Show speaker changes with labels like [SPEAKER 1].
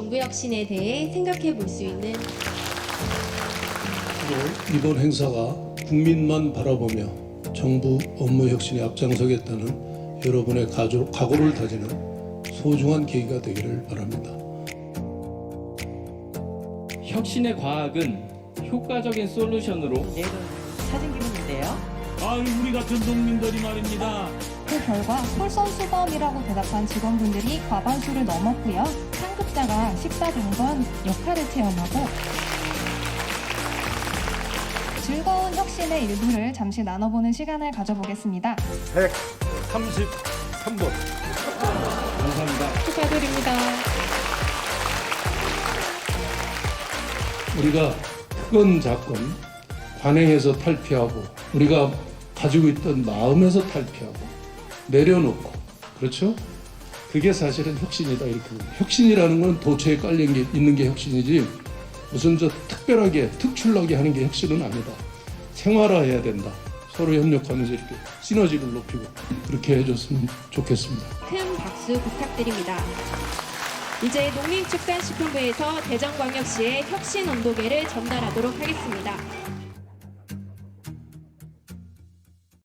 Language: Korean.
[SPEAKER 1] 정부 혁신에 대해 생각해 볼 수 있는
[SPEAKER 2] 이번 행사가 국민만 바라보며 정부 업무 혁신에 앞장서겠다는 여러분의 각오를 다지는 소중한 계기가 되기를 바랍니다.
[SPEAKER 3] 혁신의 과학은 효과적인 솔루션으로
[SPEAKER 4] 내일은 사진 기분인데요.
[SPEAKER 5] 아유, 우리 같은 농민들이 말입니다.
[SPEAKER 6] 그 결과 솔선수범이라고 대답한 직원분들이 과반수를 넘었고요. 상급자가 식사 당번 역할을 체험하고 즐거운 혁신의 일부를 잠시 나눠보는 시간을 가져보겠습니다.
[SPEAKER 7] 133번.
[SPEAKER 3] 감사합니다.
[SPEAKER 1] 축하드립니다.
[SPEAKER 2] 우리가 특권 작권 관행에서 탈피하고 우리가 가지고 있던 마음에서 탈피하고 내려놓고, 그렇죠? 그게 사실은 혁신이다 이렇게 봅니다. 혁신이라는 건 도처에 깔려 있는 게 혁신이지 무슨 특별하게 특출나게 하는 게 혁신은 아니다. 생활화해야 된다. 서로 협력하면서 이렇게 시너지를 높이고 그렇게 해줬으면 좋겠습니다.
[SPEAKER 1] 큰 박수 부탁드립니다. 이제 농림축산식품부에서 대전광역시의 혁신 온도계를 전달하도록 하겠습니다.